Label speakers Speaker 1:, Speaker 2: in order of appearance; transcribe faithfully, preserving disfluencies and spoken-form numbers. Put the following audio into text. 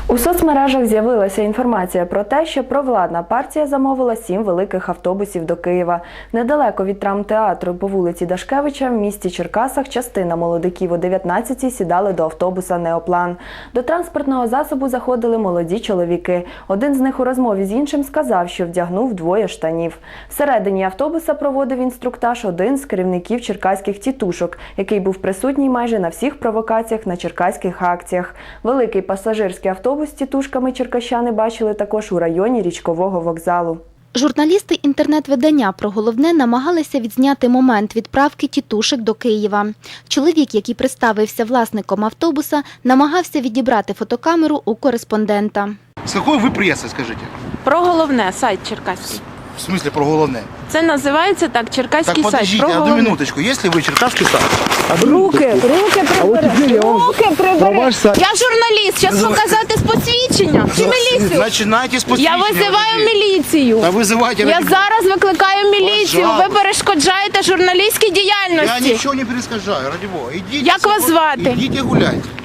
Speaker 1: У соцмережах з'явилася інформація про те, що провладна партія замовила сім великих автобусів до Києва. Недалеко від драмтеатру по вулиці Дашкевича в місті Черкасах частина молодиків о дев'ятнадцятій сідали до автобуса «Неоплан». До транспортного засобу заходили молоді чоловіки. Один з них у розмові з іншим сказав, що вдягнув двоє штанів. Всередині автобуса проводив інструктаж один з керівників черкаських тітушок, який був присутній майже на всіх провокаціях на черкаських акціях. Великий пасажирський автобус з тітушками черкащани бачили також у районі Річкового вокзалу.
Speaker 2: Журналісти інтернет-видання «Про головне» намагалися відзняти момент відправки тітушек до Києва. Чоловік, який представився власником автобуса, намагався відібрати фотокамеру у кореспондента.
Speaker 3: З якої ви преси, скажіть?
Speaker 4: Про головне, сайт черкаський.
Speaker 3: В смысле про головне?
Speaker 4: Це називається так, черкаський
Speaker 3: Так,
Speaker 4: сайт.
Speaker 3: подождите,
Speaker 4: Про
Speaker 3: одну
Speaker 4: головне.
Speaker 3: минуточку. Если вы черкасский сайт,
Speaker 1: Руки, руки прибери! Руки прибери!
Speaker 4: Я журналіст, зараз показати з посвідчення. Чи міліцію?
Speaker 3: начинайте с
Speaker 4: Я
Speaker 3: посвідчення.
Speaker 4: визиваю міліцію.
Speaker 3: Та визивайте.
Speaker 4: Я зараз викликаю міліцію. Ви
Speaker 3: Пожалуйста.
Speaker 4: перешкоджаєте журналістській
Speaker 3: Я
Speaker 4: діяльності.
Speaker 3: нічого не перескажаю, ради Бога. Ідіть,
Speaker 4: Як вас звати?
Speaker 3: Ідіть і гуляйте.